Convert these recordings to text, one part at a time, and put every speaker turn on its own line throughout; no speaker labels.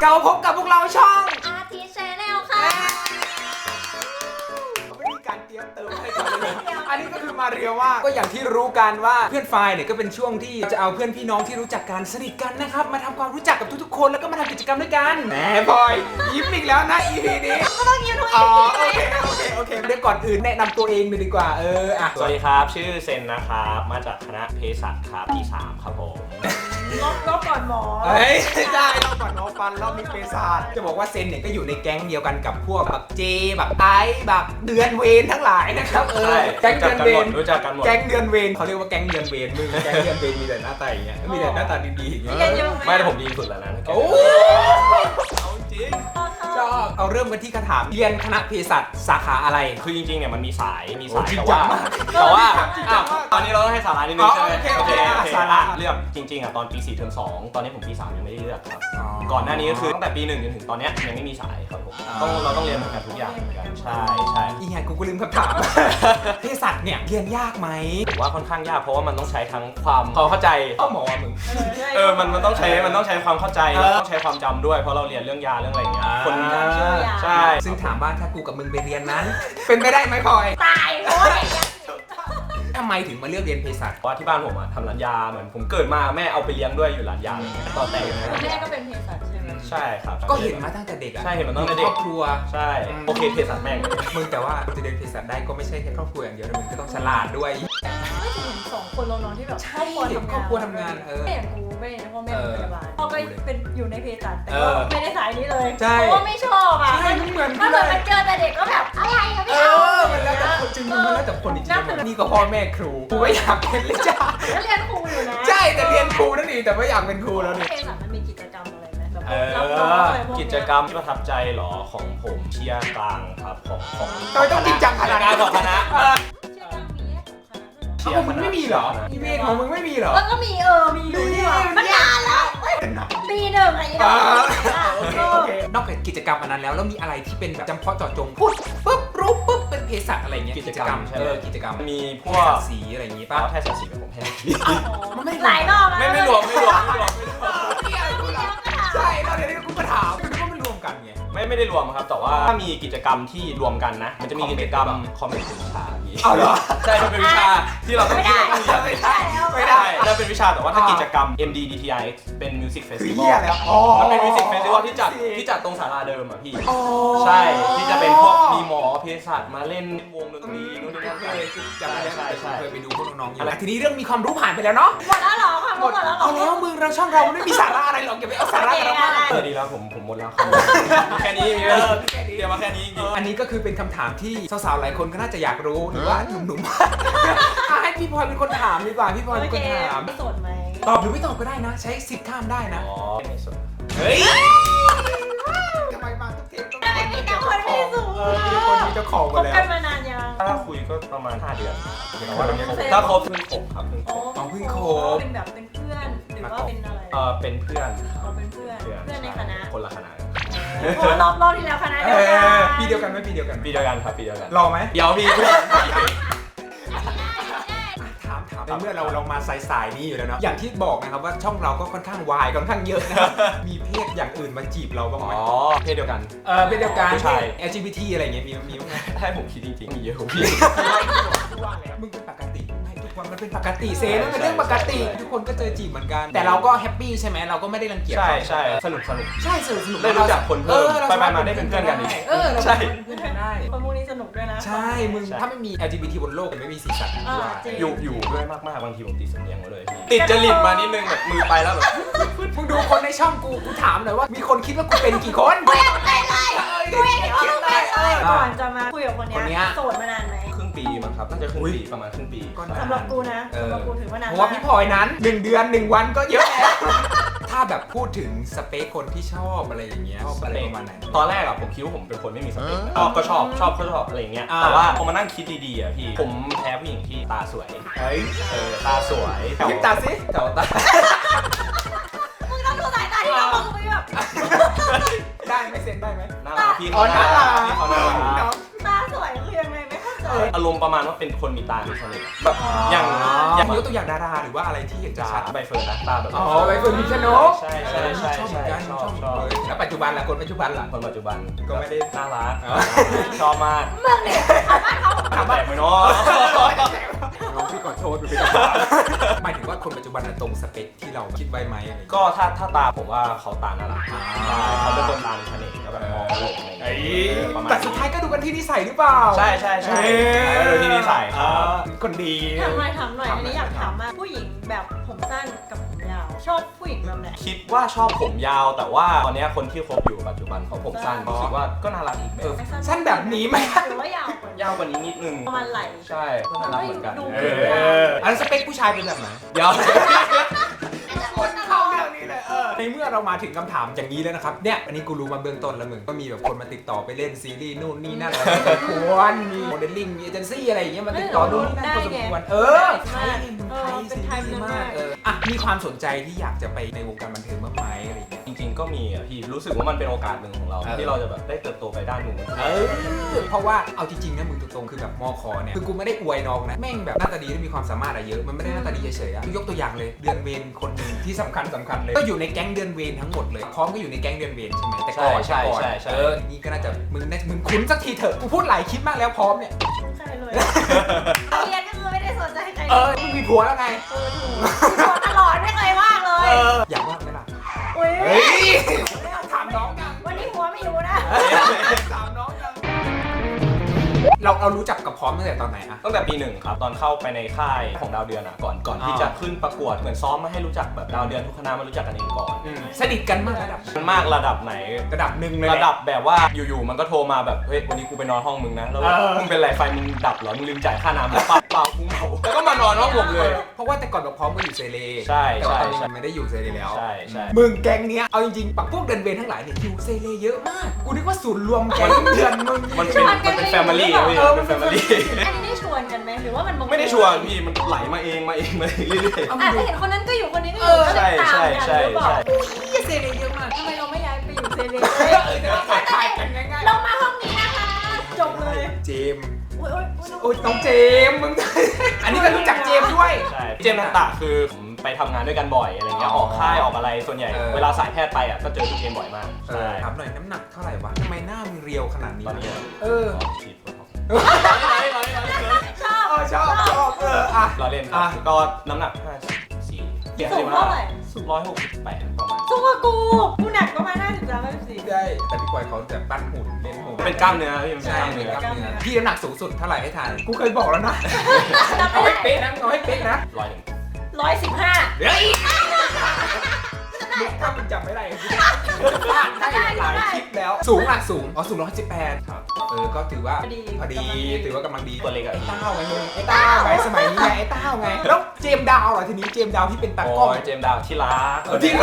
เราพบกับพวกเราช่อง
อาร์ทีแชนแนลค่ะ
ไม่มีการเตรียมเติมอะไรกันเลยอันนี้ก็คือมาเรียวว่าก็อย่างที่รู้กันว่าเพื่อนไฟล์เนี่ยก็เป็นช่วงที่จะเอาเพื่อนพี่น้องที่รู้จักกันสนิทกันนะครับมาทำความรู้จักกับทุกๆคนแล้วก็มาทำกิจกรรมด้วยกันแหมบอยยิ้มอีกแล้วนะ EP นี้
ก็ต้องยิ้มทุก
อ๋
EP
อโอเคเดี๋ยวก่อนอื่นแนะนำตัวเองเลยดีกว่าอ่ะ
สวัสดีครับชื่อเซนนะครับมาจากคณะเภสัชครับปี3ครับผม
ลบก่อนหมอ
เฮ้ยได้รอบก่อนน้องฟันรอบนี้เปซาดจะบอกว่าเซนเนี่ยก็อยู่ในแก๊งเดียวกันกับพวกแบบเจแบบไอแบบเดือนเวรทั้งหลายนะครับแก๊งเดือนเวร
รู้จักกันหมด
แก๊งเดือนเวรเขาเรียกว่าแก๊งเดือนเวรมึงแก๊งเดือนเวรมีแต่หน้าตาอย่างเงี้ยมีแต่หน้าตาดีๆอย่างเงี้ย
ไม่แต่ผมดีสุดแล้วนะ
โอ้เอาจริงชอบเอาเริ่มกันที่คำถามเรียนคณะเภสัชสาขาอะไร
คือจริงๆเนี่ยมันมีสาย
จริง
แต่
จั
ว่าง
มาก
ตอนนี้เราต้องให้สาระนิดนึงใช่ไหม
โอเคสาระ
เลือกจริงๆอ่ะตอนปี4เทอม2ตอนนี้ผมปี3ยังไม่ได้เลือกครับก่อนหน้านี้ก็คือตั้งแต่ปี1จนถึงตอนนี้ยังไม่มีสายครับผมเราต้องเรียนเหมือนกันทุกอย่างเหมือนกันใช่
อีไงกูก็ลืมคำถามเภสัชเนี่ยเรียนยากไหม
ผมว่าค่อนข้างยากเพราะว่ามันต้องใช้ทั้งความเข้าใจ
ก็หมอมึง
มันต้องใช้ความเข้าใจแล้วต้องใช้ความจำด้วยเพราะเราเรียนเรื่องยาเรื่องอะไรอย่างเงี้ยคนใช่
ซึ่งถามว่าถ้ากูกับมึงไปเรียนนั้น เป็นไปได้ไหมพลอย
ตายเพราะว่าอย่างเงี้ย
ทำไมถึงมาเลือกเรียนเภสัช
เพราะว่าที่บ้านผมอะทำร้านยาเหมือนผมเกิดมาแม่เอาไปเลี้ยงด้วยอยู่ร้านยาตอนแต่ง
แม่ก็เป็นเภสัชใช่ไหม
ใช่ครับ
ก็เห็นมาตั้งแต่เด็กอะ
ใช่เห็นมาตั้งแต่เด็ก
ครอบครัว
ใช่โอเคเภสัชแม่ง
มึงแต่ว่าจะเรียนเภสัชได้ก็ไม่ใช่แค่ครอบครัวอย่างเดียวนะมึงก็ต้องฉลาดด้วย
ไม่ถึง2 คนเรานอนที่แบบครอบครัวทำงานแม่อย่างกูไม่ได้พ่อแม่เป็นพยาบาลพ่อก็เป็นอยู่ในเภสัชแต่ก็ไม่ได้สายนี้เลยเพราะว่าไม่ชอบอ่ะ
ใช่ไม่เหมือน
ถ้าเกิดมันเจอแต่เด็กก็แบบอะไรอะไม่เอา
มันแล้วแต่คนจริงมันแล้วแต่คนจริงนี่ก็พ่อแม่ครูกูไม่อยากเป็นเลยจ้า
แล้วเรียนครูอยู่นะ
ใช่แต่เรียนครูนั่นเองแต่ไม่อยากเป็นครูแล้วนี่
เภสัชมันมีกิจกรรมอะไรไหมแบบรับน้องอะไรพวก
กิจกรรมที่ประทับใจหรอของผมเชียร์กลางครับของ
ทำไมต้องจริงจังขนาดนั้น
ของคณะ
เชื่อมีของคณะด้วยเหรอ
มึงไม่มีเหรออีเวนของมึงไม่มีเหรอ
ก็มีมีอยู่นี่หว่ามันนานแล้วปี1อะไรอย่างเงี้ย
โอเคนอกจากกิจกรรมอันนั้นแล้วมีอะไรที่เป็นแบบจำเพาะเจาะจงพูดปุ๊บรู้ปุ๊บเป็นเภสัชอะไรเงี้ยกิจกรรมกิจกรรม
มีพวก
สีอะไรอย่างงี้
ป้า
ป่ะ
แพทย์สีเป็นผมแพทย์
มันไม่
หลายรอบแล้ว
ไม่รวม
ใช่แล้วเดี๋ยวนี้กูก็ถามคือว่ามันรวมกันไง
ไม่ได้รวมครับแต่ว่าถ้ามีกิจกรรมที่รวมกันนะมันจะมีกิจกรรมคอมเมนต์วิชาพี่
เอาเหรอ
ใช่มันเป็นวิชาที่เราต้องเรียน
ไม่ได้
นั่นเป็นวิชาแต่ว่าถ้ากิจกรรม MDDTIX เป็น Music
คือ
Festival
เหี้ยแล้วอ๋อ
มันเป็น Music Festival ที่จัดตรงศาลาเดิมอ่ะพี่ใช่ที่จะเป็นพวกมีหมอเภสัชมาเล่นวงดนตรีนู่นนี่นั่น
เคยจำได้
ใช่ใช่
เคยไปดูพวกน้องๆอยู่ทีนี้เรื่องมีความรู้ผ่านไปแล้วเนาะ
หมดแล้วเหรอค่ะหมดแล้วเหรอ
เอาแล้วมึงเราช่องเราไม่มีสาระอะไรหรอกอย่าไปเอาสาระเรามา
ดีแล้วผมหมดแล้วครับแค่นี้มีเดี๋ยวมาแค่นี้จริง
อันนี้ก็คือเป็นคำถามที่สาวๆหลายคนก็น่าจะอยากรู้หรือว่าหนุ่มๆให้พี่พลอยเป็นคนถามดีกว่าพี่พลอยเป็นคนถาม
โสดไหม
ตอบหรือไม่ตอบก็ได้นะ ใช้สิทธิ์ข้ามได้นะ
อ๋อไม่สน
เฮ้ยทำไมมาทุกเทปต้อง
ไม่มีแต่คนมีสูง
มีคนมีเจ้าของ
ค
มา
บ
แล้ว
กันมานานยัง
ถ้าคุยก็ประมาณ5 เดือนแต่ว่าถ้าครบเพิ่งครบครับเพิ่งครบ
เป็นแบบเป็นเพื่อนหรือว่าเป็นอะไร
เป็นเพื่อนครับ
เราเป็นเพื่อนในคณะ
คนละคณะ
โอ้รอบที่แล้วคณะเดียวกัน
ปีเดียวกันไหมปีเดียวกัน
ปีเดียวกันครับปีเดียวกัน
รอไหม
เดี๋ยวพี่
ถามในเมื่อเรามาสายนี้อยู่แล้วเนาะอย่างที่บอกนะครับว่าช่องเราก็ค่อนข้างวายค่อนข้างเยอะนะครับมีเพศอย่างอื่นมาจีบเราบ้างไหม
เพศเดียวกัน
เพศเดียวกัน
ผู้ชาย
LGBT อะไรเงี้ยมีบ้างไหม
ถ้าให้ผมคิดจริงๆมีเยอะพี่
มึงเป็นปกติไม่ทุกวันมันเป็นปกติเซนมันเป็นเรื่องปกติทุกคนก็เจอจีบเหมือนกัน แต่เราก็แฮปปี้ใช่ไหมเราก็ไม่ได้รังเกียจ
ใช่สนุก
ใช่สนุก
ได้รู้จักคนเพิ่มไปมาได้เป็นเพื่อนกันอีก
เรา
ใช่
เป็นเพื่อนกันได้
คนพวกนี้สนุกด้วยนะ
ใช่มึงถ้าไม่มี LGBT บนโลกไม่มีสีสันด้วย
อยู่ด้วยมากๆบางทีผมติดสำเนียงมาเลยพี่ติดจริตมานิดนึงแบบมือไปแล้วแบบ
มึงดูคนในช่องกูถามหน่อยว่ามีคนคิดว่ากูเป็นกี่คน
ไม่เลยก่อนจะมาคุยกับคนนี้โสดมานานไหม
ครึ่งปีมั้งครับน่าจะครึ่งปีประมาณครึ่งปี
สำหรับกูนะสำหรับกูถือว่านาน
เพราะว่าพี่พลอยนั้น1 เดือน 1 วันก็เยอะแล้วถ้าแบบพูดถึงสเปคคนที่ชอบอะไรอย่างเงี้ยชอบอะไรประมาณไหน
ตอนแรกอะผมคิดว่าผมเป็นคนไม่มีสเปคก็ชอบอะไรอย่างเงี้ยแต่ว่าพอมานั่งคิดดีๆอะพี่ผมแพ้ผู้หญิงที่ตาสวย
เฮ้ย
ตาสวย
ยิ้มตาสิ
แถวตา
มึงต้องดูสายตาที่เรามองไปแบบ
ได้ไหมเซ็นได้ไหม
น่ารักพี่เขาน่ารักพี่เขาน่ารัก
ตาสวยคือยังไงไม่เข้าใจ
อารมณ์ประมาณว่าเป็นคนมีตามีเสน่ห์แบบอย่าง
ยกตัวอย่างดาราหรือว่าอะไรที่เห็นชัด
ใบเฟิร์นนะตาแบบ
ใบเฟิร์นพิมชนก
ใช่
ชอบเหมือนกันชอบแล้วปัจจุบันล่ะคนปัจจุบันล่ะ
คนปัจจุบัน
ก็ไม่ได้
น่ารักชอบมาก
มึงเนี่ยถามบ้านเขา
แต่ไม่น้อ
พี่ขอโทษพี่หมายถึงว่าคนปัจจุบันตรงสเปคที่เราคิดไว้ไหมอะไร
ก็ถ้าตาผมว่าเขาตาน่ารักเขาเป็นคนตามีเสน่ห์แล้วแบบมองโลกอะไรอย่างเงี้ย
แต่สุดท้ายก็ดูกันที่นิสัยหรือเปล่า
ใช่ดูที่นิสัย
คนดี
ถามหน่อยอันนี้อยากถามว่าผู้หญิงแบบผมสั้นกับผมยาวชอบผู้หญิงแบบไหน
คิดว่าชอบผมยาวแต่ว่าตอนนี้คนที่คบอยู่ปัจจุบันเขาผมสั้นคิดว่าก็น่ารักอีกแบบ
สั้นแบบนี้ไหม
หรือว่ายาว
กว่านี้นิดนึง
ประมาณไหล่
ใช่ก็น่ารักเหมือนกัน
อันสเปคผู้ชายเป็นแบบไหน
เดี๋ยว
คนเข้าเรื่องนี้เลยในเมื่อเรามาถึงคำถามอย่างนี้แล้วนะครับเนี่ยอันนี้กูรู้มาเบื้องต้นแล้วมึงก็มีแบบคนมาติดต่อไปเล่นซีรีส์นู่นนี่นั่นอะไรควรมีโมเดลลิ่งมีเอเจนซี่อะไรอย่างเงี้ยมาติดต่อนู่นนี่นั่นพอสมควรไทยซีรีส์มากมีความสนใจที่อยากจะไปในวงการบันเทิงบ้างไหมอะไรอย่างเงี้ย
จริงๆก็มีอ่ะพี่รู้สึกว่ามันเป็นโอกาสหนึ่งของเราที่เราจะแบบได้เติบโตไปด้านหนึ่ง
เพราะว่าเอาจริงๆนะมึงตรงๆคือแบบมคเนี่ยคือกูไม่ได้อวยน้องนะแม่งแบบหน้าตาดีและมีความสามารถเยอะมันไม่ได้หน้าตาดีเฉยๆยกตัวอย่างเลยเดือนเวรคนนึงที่สำคัญเลยก็อยู่ในแก๊งเดือนเวรทั้งหมดเลยพร้อมก็อยู่ในแก๊งเดือนเวรใช่ไหมแต่ก่อนนี่ก็น่าจะมึงคุ้นสักทีเถอะกูพูดหลายคลิปมากแล้วพร้อมเนี่ย
ใช่เลยเรียนก็คือไม่ได้สนใจใคร
มึงมีผัวแล้วไง
ผัวตลอดไม่เคยว่างเลย
อยากว่างไหมล่ะถามน้องยัง
วันนี้ผัวไม่อยู่นะ
ถามน้องยังเรารู้จักกับพร้อมตั้งแต่ตอนไหนอะ
ตั้งแต่ปี 1ครับตอนเข้าไปในค่ายของดาวเดือนอะก่อนที่จะขึ้นประกวดเหมือนซ้อมมาให้รู้จักแบบดาวเดือนทุกคณะมารู้จักกันเองก่อน
สนิทกันมากระ
ดับไหน
ระดับหนึ่งเลย
ระดับแบบว่าอยู่ๆมันก็โทรมาแบบเฮ้ยวันนี้กูไปนอนห้องมึงนะแล้วมึงเป็นไรไฟมึงดับเหรอมึงลืมจ่ายค่าน้ำเปล่ากูเมาแล้วก็มานอนห้องผมเลย
เพราะว่าแต่ก่อนเราพร้อมก็อยู่เซเล
ใช่
แต่ตอนนี้มันไม่ได้อยู่เซเลแล้ว
ใช่
มึงแก๊งเนี้ยเอาจริงๆพวกเดินเวรทั้งหลายเนี่ยอยู่เซเลเยอะมากกูนึกว่าศูนย์รวมแก๊งเดือนมึง
มันเป็นแฟมิลี่เป็นแฟมิลี่
อันนี้ได้ชวนกันไหมหรือว่ามัน
ไม่ได้ชวนพี่มันไหลมาเองเรื่อย
ๆแต่เห็นคนนั้นก็อยู่คนนี้ก็อยู่ก็เลยตามกันหรือเปล่า
เซเลเยอะมาก
ทำไมเราไม่ย้ายไปอยู่เซเล
ถ่ายกันง่าย
ๆเรามาห้องนี้นะคะจบเลย
เจมโอ้ยน้องเจมมึงอันนี้ก็รู้จักเจมด้วย
ใช่เจมต่างๆคือผมไปทำงานด้วยกันบ่อยอะไรเงี้ยออกค่ายออกอะไรส่วนใหญ่เวลาสายแพทย์ไปอ่ะก็เจอพี่เจมบ่อยมาก
ถามหน่อยน้ำหนักเท่าไหร่วะทำไมหน้ามึงเรียวขนาดนี้
ตอนนี้ฉีด
ชอบ
เราเล่นก็น้ำหนัก54
สูงเท่าไหร่
168ประมาณ
สูงกว่ากูหนักประมาณ53-54
ได้แต่พี่ปอยเขาจะปั้นหุ่นเล่นหุ่น
เป็นกล้ามเนื้อพี่
ใช่เป็นกล้ามเนื้อพี่น้ำหนักสูงสุดเท่าไหร่ให้ทายกูเคยบอกแล้วนะเอาให้เป๊ะนะ
115
เดี๋ยวอีกถ้ามึงจำไม่ได้ได้หลายคลิปแล้วสูงสูง118ครับก็ถือว่าพอดีถือว่ากำลังดี
ตัวเล็กไอ้
เต้าไงมึงไอ้เต้าไงสมัยนี้ไงไอ้เต้าไงแล้วเจมดาวเหรอทีนี้เจมดาวที่เป็นตากล้อง
เจมดาวที่รัก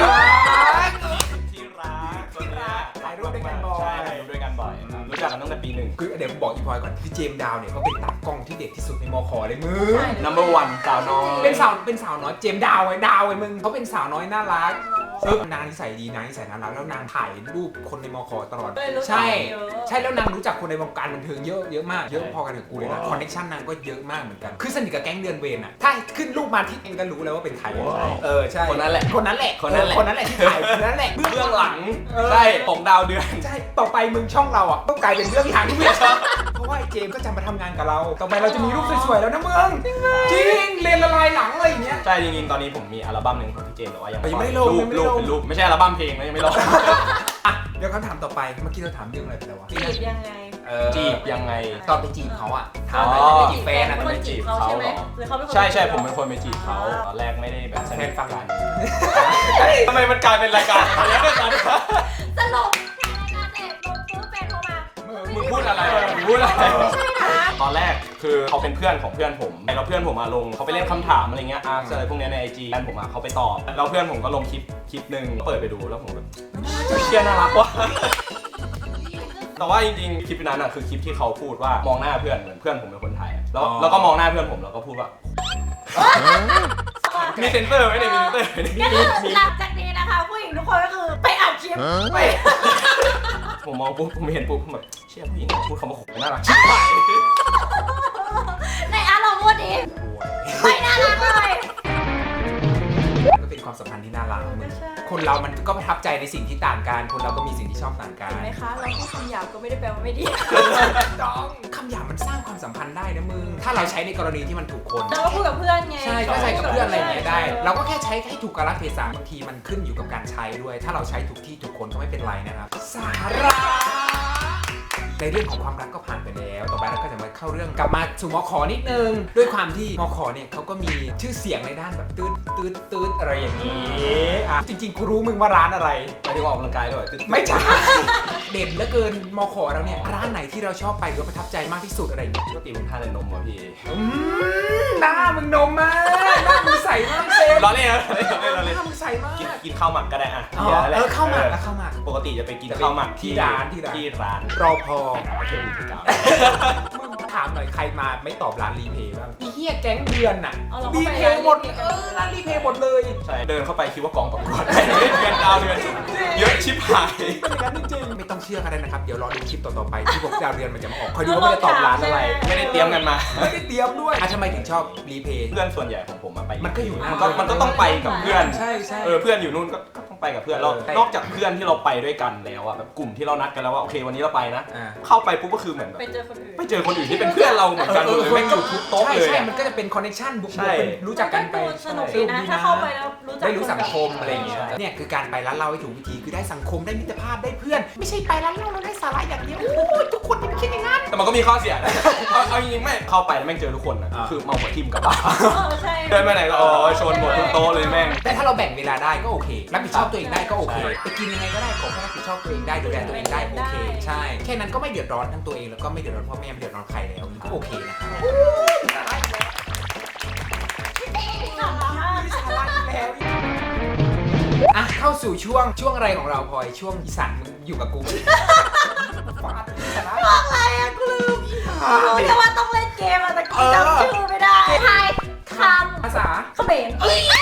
ถ่ายรูปด้วยกันบ่อย
รู้จักกันตั้งแต่ปี 1
คือเดี๋ยวผมบอกอีพอยก่อนที่เจมดาวเนี่ยเขาเป็นตากล้องที่เด็กที่สุดในมคเลยมึง
number 1สาวน้อย
เป็นสาวน้อยเจมดาวไอ้มึงเขาเป็นสาวน้อยน่ารักนางนิสัยดีนางนิสัยน่ารักแล้วนางถ่ายรูปคนในมคตลอดใช่แล้วนางรู้จักคนในวงการบันเทิงเยอะมากเยอะพอกันกับกูเลยนะคอนเนคชั่นนางก็เยอะมากเหมือนกันคือสนิทกับแก๊งเดือนเวรอ่ะถ้าขึ้นรูปมาที่เองก็รู้แล้วว่าเป็นใครใช่
คนนั้นแหละ
ที่ถ่ายคนนั้นแหละ
เบื้องหลังใช่ของดาวเดือน
ใช่ต่อไปมึงช่องเราอ่ะต้องกลายเป็นเบื้องหลังที่ไม่ชอบเพราะว่าเจมก็จะมาทำงานกับเราต่อไปเราจะมีรูปสวยๆแล้วนะมึงจริงเรียนละลายหลังอะไรอย่างเงี้ย
ใช่จริงๆตอนนี้ผมมีอัลบั้มนึงของพี่เจมแต่ว่ายัง
ไม่ได้ลง
เป็นรูปไม่ใช่อัลบั้มเพลงนะยังไม่ลง
เดี๋ยวคำถามต่อไปเมื่อกี้เราถามเรื่องอะไรไปแล้ววะ
จีบยังไง
ตอนไปจีบเขาอ่ะถามอะไรไปจีบแฟนอ่ะตอนไปจีบเขา
ใช่ไหมหรือเขาเป็นคน
ใช่ผมเป็นคนไปจีบเขาตอนแรกไม่ได้แบบ
แฟนฟังกัน
ทำไมมันกลายเป็นรายการอะไรเนี่ยตอนนี้
สรุปแฟนโทรมา
มึงพูดอะไรตอนแรกคือเขาเป็นเพื่อนของเพื่อนผมแล้วเพื่อนผมมาลงเขาไปเล่นคำถามอะไรเงี้ยอะไรพวกนี้ใน IG แฟนผมเขาไปตอบแล้วเพื่อนผมก็ลงคลิปนึงเปิดไปดูแล้วผมแบบเชี่ยน่ารักว่ะแต่ว่าจริงๆคลิปนั้นคือคลิปที่เขาพูดว่ามองหน้าเพื่อนเหมือนเพื่อนผมเป็นคนไทยแล้วก็มองหน้าเพื่อนผมแล้วก็พูดว่ามีเซนเซอร์ไหมเนี่ยมีเซนเซอร์
ก็คือหลังจากนี้นะคะผู้หญิงทุกคนก็คือไปอัดคลิปไป
ผมมองปุ๊บผมเห็นปุ๊บผมแบบเชี่ยผู้หญิงพูดคำว่าขมน่ารักชิบหาย
ไม่น่ารักเลย
ก็เป็นความสัมพันธ์ที่น่ารักมึงคนเรามันก็ประทับใจในสิ่งที่ต่างกันคนเราก็มีสิ่งที่ชอบต่างกัน
เห็นไหมคะเราพูดคำหยาบก็ไม่ได้แปลว่าไม่ดี
ต้องคำหยาบมันสร้างความสัมพันธ์ได้นะมึงถ้าเราใช้ในกรณีที่มันถูกคน
เราก็พูดกับเพื่อนไง
ใช่ก็ใช้กับเพื่อนอะไรอย่างเงี้ยได้ เราก็แค่ใช้ให้ถูกกาลเทศะบางทีมันขึ้นอยู่กับการใช้ด้วย ถ้าเราใช้ถูกที่ถูกคนก็ไม่เป็นไรนะครับสาระในเรื่องของความรักก็ผ่านไปแล้วต่อไปเราก็จะมาเข้าเรื่องกลับมาสู่มขนิดนึงด้วยความที่มขเนี่ยเขาก็มีชื่อเสียงในด้านแบบตืดอะไรอย่างนี้อ่ะจริงๆกูรู้มึงว่าร้านอะไร
ไปที่ออกกำลังกายด้วย
ไม่ใช่ เด่นเหลือเกินมขเราเนี่ยร้านไหนที่เราชอบไปหรือว่าประทับใจมากที่สุดอะไรอย่างเงี้ย
ปกติผมทานแต่นมว่ะพี่
หน้ามึงนมมากหน้ามึงใสมากเซน
ร้อนเลยนะ
หน้ามึงใสมาก
กินข้าวหมักก็ได้อะ
เข้ามาแล้วเข้ามา
ปกติจะไปกินข้าวหมักที่ร้าน
รอพอ
โอเคพี่กาว
มึงถามหน่อยใครมาไม่ตอบร้านรีเพย์บ้างอีเหี้ยแก๊งเดือนน่ะ
เอาเราก็
รี
ไป
เพย์หมดร้านรีเพย์หมดเลย
ใช่เดินเข้าไปคิดว่ากองประกวดเดือนดาวเดือนเยอะชิบหาย
เป็นอย่างนั้นจริงๆไม่ต้องเชื่อกันเลยนะครับเดี๋ยวรอดูคลิปต่อๆไปที่พวกดาวเดือนมันจะมาออกคอยดูว่ามันจะตอบร้านอะไร
ไม่ได้เตรียมกันมา
ไม่ได้เตรียมด้วยทำไมถึงชอบรีเพย์
เพื่อนส่วนใหญ่ของผมมาไป
มันก็อยู่หน้า
มันก็ต้องไปกับเพื่อน
ใช่ใช่
เพื่อนอยู่นู่นก็ต้องไปกับเพื่อนแล้วนอกจากเพื่อนที่เราไปด้วยกันแล้วอะแบบกลุ่มที่เรานัดกันแล้วว่าโอเควันนี้เราไปนะ เข้าไปปุ๊บก็คือเหมือนแบบ
ไปเจอคนอื่น
ไปเจอคนอื่นที่เป็นเพื่อนเราเหมือนกันเลยไม่อยู่ทุกโต๊ะเลย
ใช่มันก็จะเป็นคอนเนคชั่นบุก
ใช่
เป็นรู้จักกันไป
สนุกดีนะถ้าเข้าไปแล้วรู้จัก
ได้รู้สังคมอะไรอย่างเงี้ยเนี่ยคือการไปร้านเหล้าให้ถูกวิธีคือได้สังคมได้มิตรภาพได้เพื่อน ไม่ใช่ไปร้านเหล้าแล้วได้สาระอย่างเดียวโอ้ยทุกคนไม่คิดอย่างนั้น
แต่มันก็มีข้อเสียนะเอาจริงๆไม่เข้าไปแล้วแม่งเจอทุกคนอะคือเมาหัวทิ่มกลับบ้าน
ใช่
เดินไปไหนก็ชนหมดทุกโต๊ะเลยแม่ง
แต่ถ้าเราแบ่งเวลาได้ก็โอเครับผิดชอบตัวเองได้ก็โอเคไปกินยังไงก็ได้ขอแค่รับผิดชอบตัวเองได้ดูแลตัวเองได้โอเคใช่แค่นั้นก็ไม่เดือดร้อนทั้งตัวเองแล้วก็ไม่เดือดร้อนพ่อแม่ไม่เดือดร้อนใครแล้วก็โอเคนะครับอ่ะเข้าสู่ช่วงอะไรของเราพลอยช่วงอีสานมึงอยู่กับกูฟาดสาระ
อะไรอะกูลืมรู้แต่ว่าต้องเล่นเกมอะแต่กูจำชื่อไม่ได้ทายคำ
ภาษา
เขมร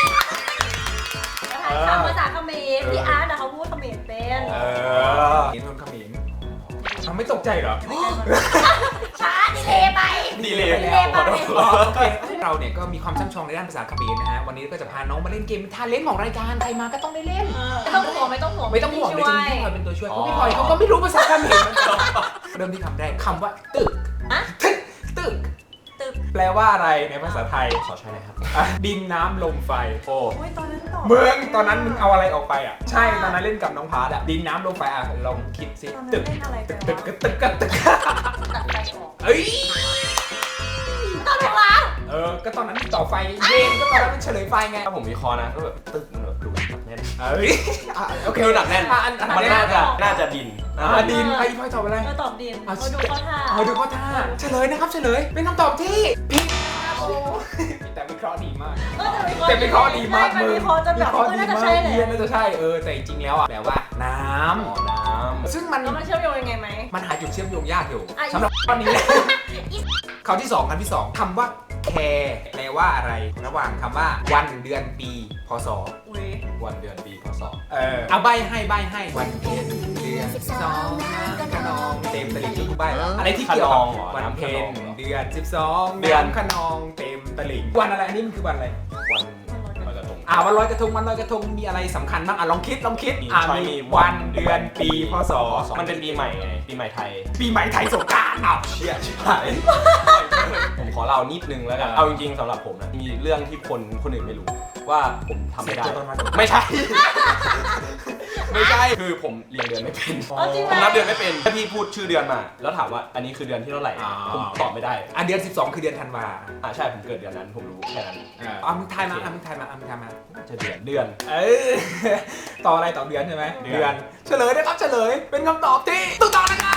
ทายคำภาษาเขมรพี่อาร์ตอะเขาพูดเขมรเป็น
เห็นคนเขมรเขาไม่ตกใจเหรอ
ช้าดีเลยไป
ดีเลย
ดีเลยไป
โอเคเราเนี่ยก็มีความช่ำชองในด้านภาษาเขมรนะฮะวันนี้ก็จะพาน้องมาเล่นเกมทาเลนต์ของรายการใครมาก็ต้องได้เล่น
ไม่ต้องห่วงไม่ต้องห่วง
ไม่ต้องห่วงเลยจริงๆพี่พลอยเป็นตัวช่วยเพราะพี่พลอยเขาก็ไม่รู้ภาษาเขมรเหมือนกันเริ่มที่คำแรกคำว่าตึก
อะ
ตึก
ตึก
แปลว่าอะไรในภาษาไทย
ขอใช่นะครับ
ดินน้ำลมไฟโอ้
โอ้ยตอนนั้นตอบ
เมืองตอนนั้นมึงเอาอะไรออกไปอ่ะใช่ตอนนั้นเล่นกับน้องพาร์ทอ่ะดินน้ำลมไฟอ่ะลองคิดสิ
ตอนนั้น
ตึก
เล่นอะไรไป
ตึก
วะ
ตึกตึกตึก
ตัดไฟออก
เอ้ย
ตอนถูกแล้ว
ก็ตอนนั้นต่อไฟเย็นก็ตอนนั้นมันเฉลยไฟไง
ถ้าผมวิเคราะห์นะก็แบบตึกมันแบบดูหนักแน่น
เอ้ยโอเค
ดูหนักแน่น
อัน
มันน่าจะดิน
ดินไอ้พ่อยตอบอะไร
เออตอบดินมาดูข้อท่า
ดูข้อท่าเฉลยนะครับเฉลยเป็นคำตอบที่ผิดแต่วิเคราะห์ดีมาก แต่วิเคราะห์ดีมากมึง
วิเคราะห์จนแบบน่าจะใช่เลย
น่าจะใช่แต่จริงๆแล้วอ่ะแปลว่าน้
น้
ำซึ่งมัน
แล้วมันเชื่อมโยงยังไงไหม
มันหาจุดเชื่อมโยงยากอยู่
อ่ะ
สำหรับข้อนี้แหละคำที่สองคำว่าแคร์แปลว่าอะไร ระหว่างคำว่าวันเดือนปีพศ
อุ้ย
ำวันเดือนปีพศ
เอาใบให้วันเพ็ญเดือน12น้ำขนองเต็มตลิ่งที่กูใบอะไรที่เกี่ยวกับวันเพ็ญเดือน12น้ำขนองเต็มตลิ่งวันอะไรอันนี้มันคือวันอะไร
วันลอยกระทง
วันลอยกระทงมีอะไรสำคัญบ้างลองคิด
มี
มีวันเดือนปีพศ
มันเป็นปีใหม่ไงปีใหม่ไทย
ปีใหม่ไทยสงกรานต์
เชี่ยชิบหายผมขอเล่านิดนึงแล้วกันเอาจริงๆสำหรับผมนะมีเรื่องที่คนอื่นไม่รู้ว่าผมทำไม่ได้ไม่ใช่ ไม่ใช่คือผมเรียนเดือนไม่เป็น
เอาจริง
ผมนับเดือนไม่เป็นถ้าพี่พูดชื่อเดือนมา แล้วถามว่าอันนี้คือเดือนที่เท่าไหร่ผมตอบไม่ได้
เดือน12คือเดือนธันวา
ใช่ผมเกิดเดือนนั้นผมรู้แค่นั้น
มึงทายมา
จะเดือน
ต่ออะไรต่อเดือนใช่ไหม
เดือน
เฉลยนะครับเฉลยเป็นคำตอบที่ถูกต้องนะครับ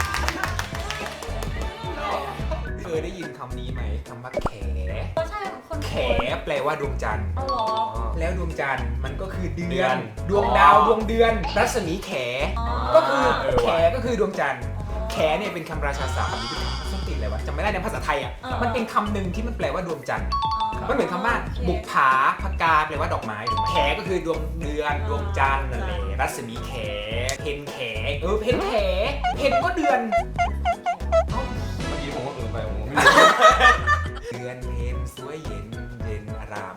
เคยได้ยินคำนี้ไหมคำว่าแข
ก็ใช่คน
แขแปลว่าดวงจันทร์
เอาเหรอ
แล้วดวงจันทร์มันก็คือเดื
เดื
อ
อน น
ดวงดาวดวงเดือน รัศมีแข ก็คือ
ว่ะ
แขก็คือดวงจันทร์แขเนี่ยเป็นคำราชาศัพท์หรือเป็นคำส้นติดอะไรวะจำไม่ได้ในภาษาไทยอ่ะมันเป็นคำหนึ่งที่มันแปลว่าดวงจันทร์มันเหมือนคำว่าบุกผาพกาแปลว่าดอกไม้ถูกไหมแขก็คือดวงเดือนดวงจันทร์นั่นแหละรัศมีแขเพนแขเพนแขเพนก็เดือน
เมื่อกี้ผมก็ไปผม
เดือนเพนสวยเย็น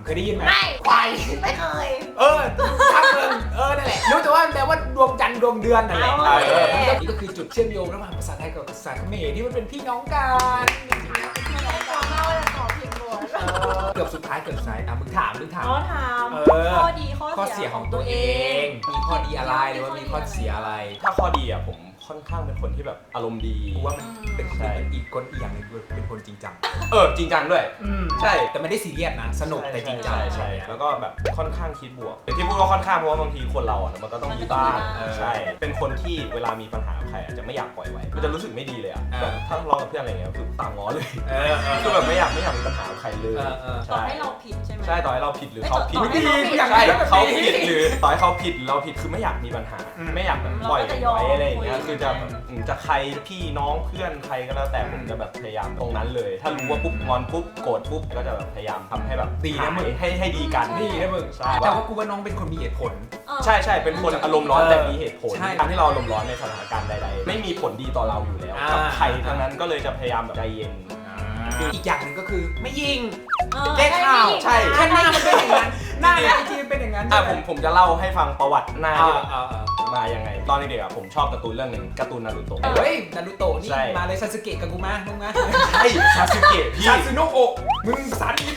เคยได้ยินไหม
ไม่
ควาย
ไม่เคย
ช่างมึงนั่นแหละรู้แต่ว่าแปลว่าดวงจันทร์ดวงเดือนนั่นแหละ
เอาโอเค
นี่ก็คือจุดเชื่อมโยงระหว่างภาษาไทยกับภาษาเขมรที่มันเป็นพี่น้องกัน
ไม่ได้ตอนเล่าแต่ขอผิดหมด
เกือบสุดท้ายเกือบสายมึงถาม
เขาถาม
เออ
ข้อดี
ข้
ข้
อ
อ
เสี
เสี
ย
ย
ข
ข
อ
อง ง
ตั
ตัว ว
เอ
เอง
งมีข้อดีอะไรหรือว่ามีข้อเสียอะไร
ถ้าข้อดีอ่ะผมค่อนข้างเป็นคนที่แบบอารมณ์ดี
กูว่ามันเป็น
ใช่
อีกคนอีกอย่างหนึงเป็นคนจริงจัง
จริงจังด้วย ใช่
แต่ไม่ได้ซีเรียสนะสนุกแต่จริงจัง
ใช่แล้วก็แบบค่อนข้างคิดบวกแต่ที่พูดว่าค่อนข้างเพราะว่าบางทีคนเราอ่ะมันก็ต้องมีบ้างใช่เป็นคนที่เวลามีปัญหากับใครอาจจะไม่อยากปล่อยไว้มันจะรู้สึกไม่ดีเลยอ่ะแบบถ้าทะเลาะกับเพื่อนอะไรเงี้ยคือตามง้อเลยคือแบบไม่อยากมีปัญหากับใครเลย
ต่อให้เราผิดใช่ไหม
ใช่ต่อให้เราผิดหรือเขาผิด
ต่อให้เราผิด
ใช่เขาผิดหรือต่อให้เขาผิดเราผิดคือไม่อยากมีปัญหา ไม่อยากแบบปล่อยไว้อะไรอย่างเงี้ยคือจะจะใครพี่น้องเพื่อนใครก็แล้วแต่ผมจะแบบพยายามตรงนั้นเลย ถ้ารู้ว่าปุ๊บงอนปุ๊บโกรธปุ๊บก็จะแบบพยายามทำให้แบบ
ดีนะมึง
ให้ดีกัน
ดีนะมึง
ใช่
แต่ว่ากูว่าน้องเป็นคนมีเหตุผล
ใช่เป็นคนอารมณ์ร้อนแต่มีเหตุผล
ใช่
ทำให้เราอารมณ์ร้อนในสถานการณ์ใดๆไม่มีผลดีต่อเราอยู่แล้วกับใครทั้งนั้นก็เลยจะพยายามแบบใจเย็น
อีกอย่างหนึ่งก็คือไม่ยิง
แก้
แก้ข่าว
ใช่
แค่หน้ามันเป็นอย่างนั้นหน้าในไอจีเป็นอย่างนั้น
ผมจะเล่าให้ฟังประวัติหน้าที่แบบ
อ่า
มายังไง ตอนเด็กๆอะผมชอบการ์ตูนเรื่องหนึ่งการ์ตูนนารูโตะ
เฮ้ยนารูโตะนี่
ใช่
มาเลยซาสึเกะกับกูมามึงมา
ใช่ซาสึเกะพี่
ซาสึโนะโอะมึงสันอิน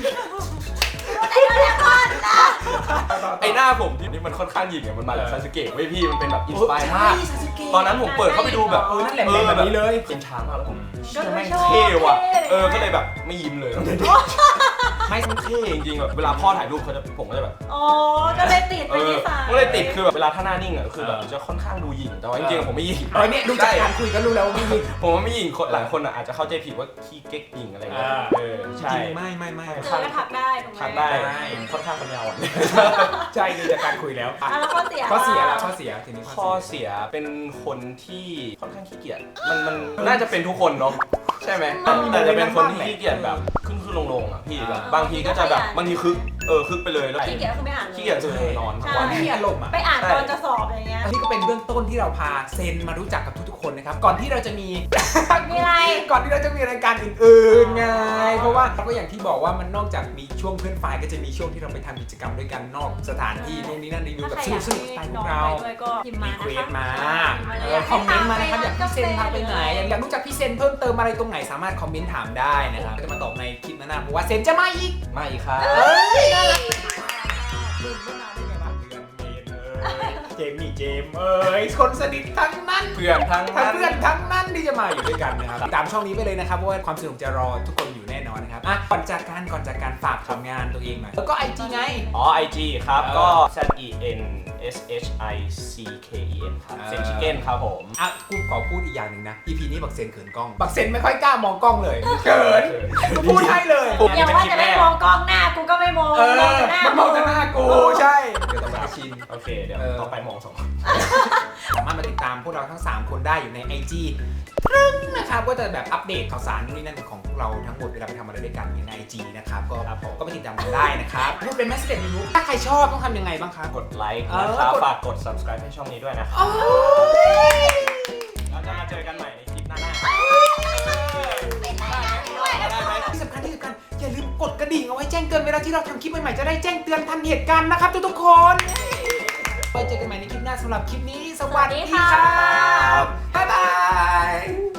ไอหน้าผมที่มันค่อนข้างหยิ่งอะมันมาจากซาสึเกะเว้ยพี่มันเป็นแบบอินสปายมาก ตอนนั้นผมเปิดเข้าไปดูแบบ
นั่นแหละเป็นแบบนี้เลย
เป็นช้างมากแล้วผม
ก็
เชื่อ
ไม่
แม่ง
ชอบ
เท่ว่ะ
เท่
ก็เลยแบบไม่ยิ้มเลยตั้งแต่เด็กไม่มันเท่จริงๆแบบเวลาพ่อถ่ายรูปผมก็จะแบบ
อ๋อ ก็เลยติดเป็นนิสัย
ก็เลยติดคือแบบเวลาท่าหน้านิ่งอะคือแบบจะค่อนข้างดูหยิ่งแต่ว่าจริงๆผมไม่หยิ่ง
เนี่ยดูจากการคุยก็รู้แล้วว่าไม่ยิง
ผมว่าไม่หยิ่งคนหลายคนอะอาจจะเข้าใจผิดว่าขี้เก๊กหยิ่งอะไรเงี้ยใช่
จริงไม่
เจอก็ทักได้ถูกไหม
ทักได้ผมค่อนข้างปัญญาอ่อน
ใช่ดูจากการคุยแล้ว
แล้วข้อเสีย
ข้อเสียละข้อเสียทีนี้
ข้อเสียเป็นคนที่ค่อนข้างขี้เกียจมันน่าจะเป็นทุกคนเนาะใช่ไหมแต่จะเป็นคนที่ขี้เกียจแบบขึ้นลงอ่ะพี่แบบบางทีก็จะแบบบางทีคึกไปเลยแล้ว
ขี้เกียจก็คือไม่อ่านเลย
ขี้เกียจคือนอนทั้ง
วั
วัน น
ไม่มีอารมณ์อ่ะ
ไปอ่านตอนจะสอบอะไรเงี้ย
นี่ก็เป็นเบื้องต้นที่เราพาเซนมารู้จักกับทุกๆคนนะครับก่อนที่เราจะมี
มีอะไร
ก่อนที่เราจะมีรายการอื่นๆไงเพราะว่าเราก็อย่างที่บอกว่ามันนอกจากมีช่วงเพื่อนฝ่ายก็จะมีช่วงที่เราไปทำกิจกรรมด้วยกันนอกสถานที่นู่นนี่นั่นรีวิวแบบสนุกสไตล์พวกเรา
ด้วยก็พิมพ์มา
มี
นะ
เควส
คะ
มาคอมเมนต์มานะครับอยากพี่เซนพาไปไหนอยากรู้จักพี่เซนเพิ่มเติมอะไรตรงไหนสามารถคอมเมนต์ถามได้นะครับก็จะมาตอบในคลิปหน้าๆเพราะว่าเซนจะมาอีก
มาอีกครับ
ลืมไม่นานได้ไงวะเดือนเมษเจมนี่เจมคนสนิททั้งนั้น
เพื่อนทั้ง
ทั้ง
นั้น
เพื่อนทั้งนั้นที่จะมาอยู่ด้วยกันนะครับตามช่องนี้ไปเลยนะครับเพราะว่าความสนุกจะรอทุกคนอยู่แน่นอนนะครับก่อนจากการฝากทำงานตัวเองหน่อยแล้วก็ IG ไง
IG ครับก็ ZENSHICKEN ครับเซนชิเก้นครับผม
กูขอพูดอีกอย่างหนึ่งนะ EP นี้บักเซนเขินกล้องบักเซนไม่ค่อยกล้ามองกล้องเลยเขินกูพูดให้เลย
อย่าว่าจะไม่มองกล้องหน้ากูก็ไม่มอง
มันมองแต่หน้ากูใช่เดี๋ยวต้องมาชิน
โอเคเดี๋ยวต่อไปมองสอง
สามารถมาติดตามพวกเราทั้ง 3 คนได้อยู่ใน IG นะครับก็จะแบบอัปเดตข่าวสารนู่นนี่นั่นของพวกเราทั้งหมดเวลาไปทำอะไรด้วยกันใน IG นะครับก็ไปติดตามกันได้นะครับพูดเป็นแมสเซจยูถ้าใครชอบต้องทำยังไงบ้างครับ
กดไลค์นะครับฝากกด subscribe ให้ช่องนี้ด้วยนะครับเราจะมาเจอกันใหม่ในคลิปหน้า
ที่สำคัญอย่าลืมกดกระดิ่งเอาไว้แจ้งเตือนเวลาที่เราทำคลิปใหม่ๆจะได้แจ้งเตือนทันเหตุการณ์นะครับทุกๆคนไว้เจอกันใหม่ในคลิปหน้าสำหรับคลิปนี้สวัสดีครับบ๊ายบาย